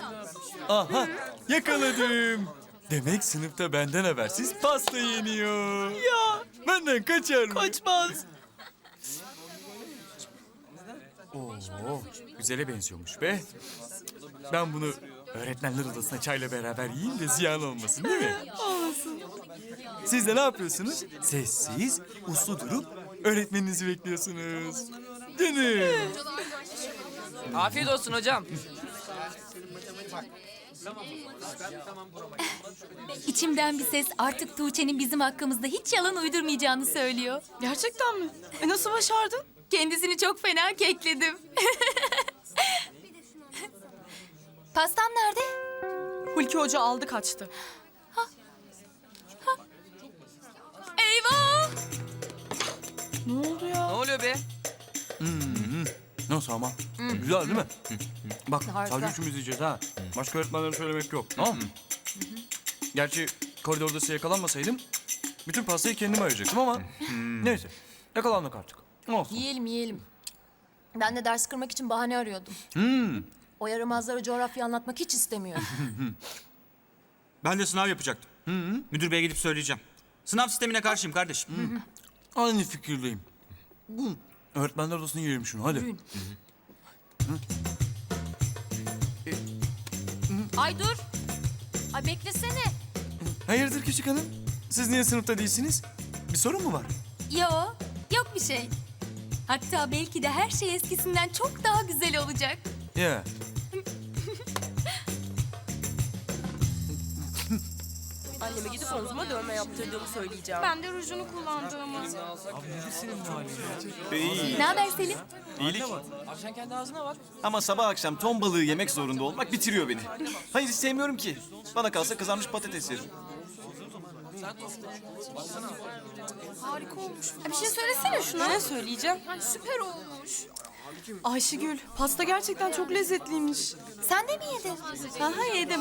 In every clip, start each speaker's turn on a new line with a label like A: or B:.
A: Aha, yakaladım. Demek sınıfta benden habersiz pasta yeniyor.
B: Ya
A: Benden kaçar mı?
B: kaçmaz.
A: Oo, güzele benziyormuş be. Ben bunu öğretmenler odasına çayla beraber yiyeyim de ziyan olmasın, değil mi?
B: Olmasın.
A: Siz de ne yapıyorsunuz? Sessiz, uslu durup öğretmeninizi bekliyorsunuz. Canım.
C: Afiyet olsun hocam.
D: İçimden bir ses artık Tuğçe'nin bizim hakkımızda hiç yalan uydurmayacağını söylüyor.
B: Gerçekten mi? Nasıl başardın?
D: Kendisini çok fena kekledim. Pastam nerede?
B: Hulki Hoca aldı kaçtı.
D: Eyvah!
B: Ne oldu
C: Ne
B: ya?
C: oluyor be?
A: Nasıl ama? Güzel değil mi? Bak
D: Harika.
A: sadece üçümüz yiyeceğiz ha. Başka öğretmenlere söylemek yok, tamam mı? Gerçi koridorda size yakalanmasaydım bütün pastayı kendim ayıracaktım ama neyse yakalandık artık. Olsun.
D: Yiyelim. Ben de ders kırmak için bahane arıyordum. O yaramazlara coğrafya anlatmak hiç istemiyor.
E: Ben de sınav yapacaktım. Müdür beye gidip söyleyeceğim. Sınav sistemine karşıyım kardeşim.
A: Aynı fikirdeyim. Öğretmenler odasına yiyelim şunu hadi.
D: Ay dur! Ay beklesene.
A: Hayırdır küçük hanım? Siz niye sınıfta değilsiniz? Bir sorun mu var?
D: Yok bir şey. Hatta belki de her şey eskisinden çok daha güzel olacak.
A: Ya.
F: Anneme gidip omzuma dövme yaptırdığımı söyleyeceğim.
B: Ben de rujunu kullandığımı.
D: Ne haber Selim?
G: İyilik.
C: Sen kendi ağzına var.
G: Ama sabah akşam ton balığı yemek zorunda olmak bitiriyor beni. Hayır hiç sevmiyorum ki. Bana kalsa kızarmış patates yerim.
B: Harika olmuş.
F: Bir şey söylesene şuna. Ne söyleyeceğim?
B: Süper olmuş. Ayşegül, pasta gerçekten çok lezzetliymiş.
D: Sen de mi yedin?
B: Aha yedim.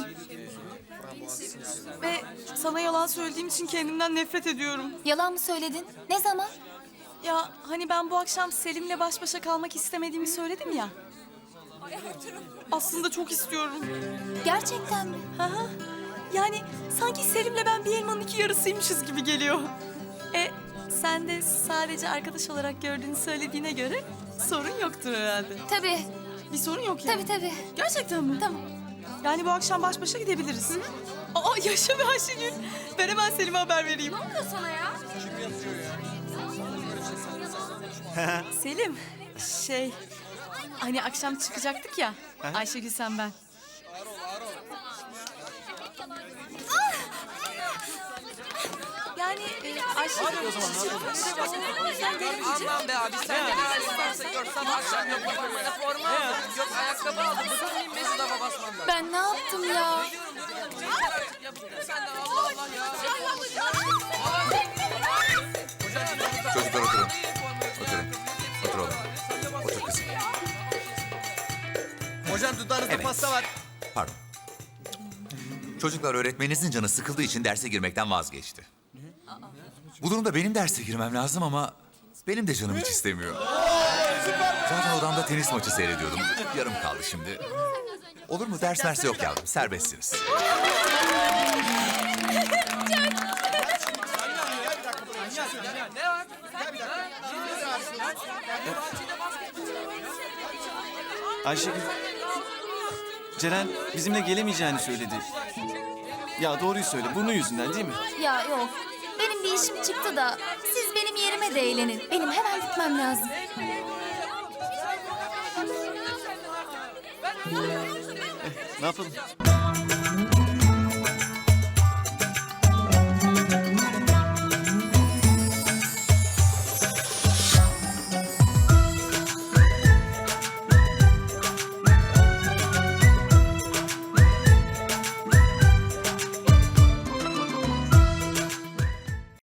B: Ve sana yalan söylediğim için kendimden nefret ediyorum.
D: Yalan mı söyledin? Ne zaman?
B: Ya hani ben bu akşam Selim'le baş başa kalmak istemediğimi söyledim ya. Aslında çok istiyorum.
D: Gerçekten mi?
B: Aha. Yani sanki Selim'le ben bir elmanın iki yarısıymışız gibi geliyor. Sen de sadece arkadaş olarak gördüğünü söylediğine göre sorun yoktur herhalde.
D: Tabii.
B: Bir sorun yok yani.
D: Tabii.
B: Gerçekten mi?
D: Tamam.
B: Yani bu akşam baş başa gidebiliriz. Aa yaşa be Ayşegül. Ben hemen Selim'e haber vereyim. Ne oluyor sana ya? Selim, hani akşam çıkacaktık ya. Ayşegül sen ben. Yani Ayşegül...
C: Aman be abi sen de ne varsa gör. Sabah akşam yok bana forma aldım. Yok ayakkabı aldım. Bıkmayayım be şu dama basmandan.
D: Ben ne yaptım ya?
C: Sen de Allah Allah ya.
H: Çocuklar oturun. Otur oğlum. Otur kızım.
G: Hocam dudağınızda pasta var.
H: Pardon. Çocuklar öğretmeninizin canı sıkıldığı için derse girmekten vazgeçti. Bu durumda benim derse girmem lazım ama benim de canım hiç istemiyor. Zaten odamda tenis maçı seyrediyordum. Yarım kaldı şimdi. Olur mu? Ders mersi yok yavrum. Serbestsiniz.
G: Ayşegül. Ceren bizimle gelemeyeceğini söyledi. Ya doğruyu söyle. Burnu yüzünden değil mi?
D: Ya yok. Benim bir işim çıktı da siz benim yerime de eğlenin. Benim hemen gitmem lazım.
G: Ne yapalım?